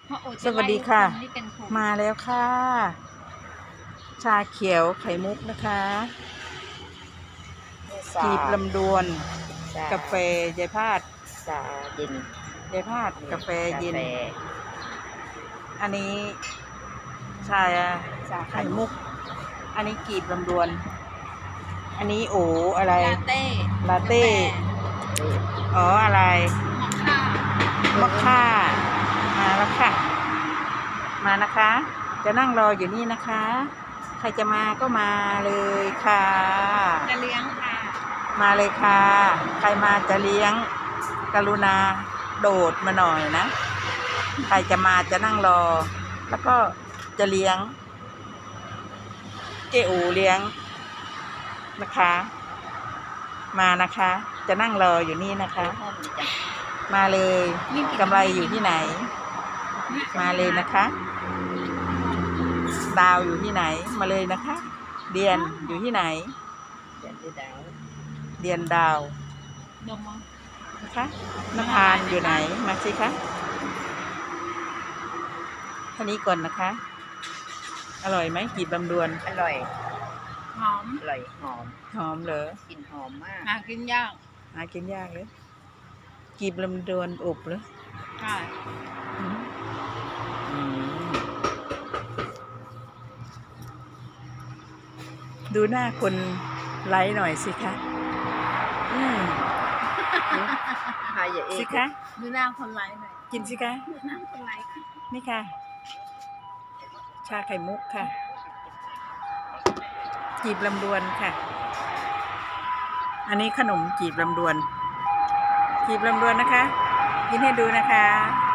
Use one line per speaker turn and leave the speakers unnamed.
สวัสดีค่ะ มาแล้วค่ะ ชาเขียวไข่มุกนะคะกีบลำดวนกาแฟยายพาด
ชาเย็น
ยายพาดกาแฟเย็นอันนี้ชาไข่มุกอันนี้กีบลำดวน อันนี้โออะไรลาเต้อ๋ออะไรมอคค่ามาแล้วค่ะมานะคะ จะนั่งรออยู่นี่นะคะ ใครจะมาก็มาเลยค่ะ
จะเลี้ยงค่ะ
มาเลยค่ะ ใครมาจะเลี้ยงกรุณาโดดมาหน่อยนะ ใครจะมาจะนั่งรอ แล้วก็จะเลี้ยงเจ๊อูเลี้ยงนะคะ มานะคะ จะนั่งรออยู่นี่นะคะ มาเลยกำไรอยู่ที่ไหนมาเลยนะคะดาวอยู่ที่ไหนมาเลยนะคะเดียนอยู่ที่ไหนเดียนดาวนะคะนภานอยู่ไหนมาสิคะท่านี้ก่อนนะคะอร่อยไหมกีบลำดวน
อร่อย
หอม
อร่อยหอม
หอมเหรอก
ลิ่นหอมมาก
หากินยาก
เลยกีบลำดวนอบเหรอ
ใช่
ดูหน้าคนไลฟ์หน่อยสิคะสิคะ
ดูหน้าคนไลฟ์หน่อย
กินสิคะ
ดูหน้าคนไลฟ์
นี่ค่ะชาไข่มุกค่ะจีบลำดวนค่ะอันนี้ขนมจีบลำดวนนะคะกินให้ดูนะคะ